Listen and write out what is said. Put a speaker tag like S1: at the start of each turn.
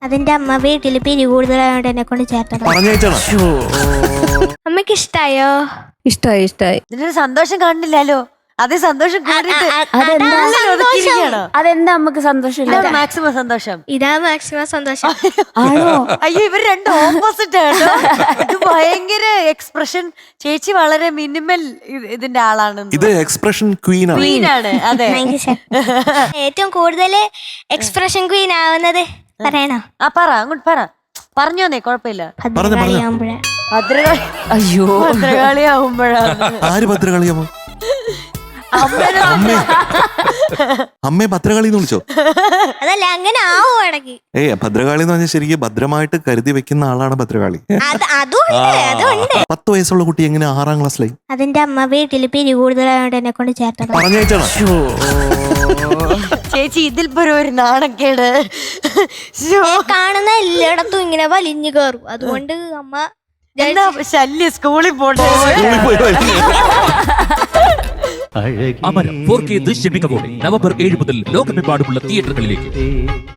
S1: അതിന്റെ അമ്മ വീട്ടിൽ പിരി കൂടുതലായോണ്ട് എന്നെ കൊണ്ട് ചേർത്തത്. അമ്മക്ക് ഇഷ്ടായോ?
S2: ഇഷ്ടായി.
S3: ഇതിനൊരു സന്തോഷം കാണുന്നില്ലല്ലോ. അതേ സന്തോഷം കണ്ടിട്ട്
S2: അതെന്താ നമുക്ക് സന്തോഷം?
S3: മാക്സിമം സന്തോഷം.
S1: ഇതാ മാക്സിമം സന്തോഷം.
S3: അയ്യോ ഇവർ രണ്ടും ഓപ്പോസിറ്റ് ആണ്. ഇത് ഭയങ്കര എക്സ്പ്രഷൻ. ചേച്ചി വളരെ മിനിമൽ ഇതിന്റെ ആളാണ്.
S4: ഇത് എക്സ്പ്രഷൻ ക്വീൻ
S3: ആണ്. അതെ.
S1: ഏറ്റവും കൂടുതൽ എക്സ്പ്രഷൻ ക്വീൻ ആവുന്നത് പറയണോ?
S3: പറ അങ്ങോട്ട് പറഞ്ഞോന്നേ കുഴപ്പമില്ല.
S1: ഭദ്രകാളിയാകുമ്പോഴാ.
S2: അയ്യോ
S3: ഭദ്രകാളിയാവുമ്പോഴാണ്.
S4: ആര് ഭദ്രകാളിയാമോ? അമ്മയെ ഭദ്രകാളി എന്ന് വിളിച്ചോ?
S1: അതല്ല, അങ്ങനെ ആവും ഇടയ്ക്ക്.
S4: ഭദ്രകാളി എന്ന് പറഞ്ഞാൽ ശരിക്കും ഭദ്രമായിട്ട് കരുതി വെക്കുന്ന ആളാണ് ഭദ്രകാളി.
S1: അതുണ്ട്.
S4: 10 വയസ്സുള്ള കുട്ടി എങ്ങനെ 6ാം ക്ലാസ്സിലായി?
S1: അതിന്റെ അമ്മ വീട്ടിൽ പിരി കൂടുതലായോണ്ട് എന്നെ കൊണ്ട് ചേർത്തത്.
S3: ചേച്ചി ഇതിൽ ഒരു നാണക്കേട്.
S1: കാണുന്ന എല്ലായിടത്തും ഇങ്ങനെ വലിഞ്ഞു കയറും. അതുകൊണ്ട് അമ്മ
S3: ശല്യ സ്കൂളിൽ പോട്ടെ.
S5: അമരം 4K ദൃശ്യമികവോടെ നവംബർ 7 മുതൽ ലോകമെമ്പാടുമുള്ള തിയേറ്ററുകളിലേക്ക്.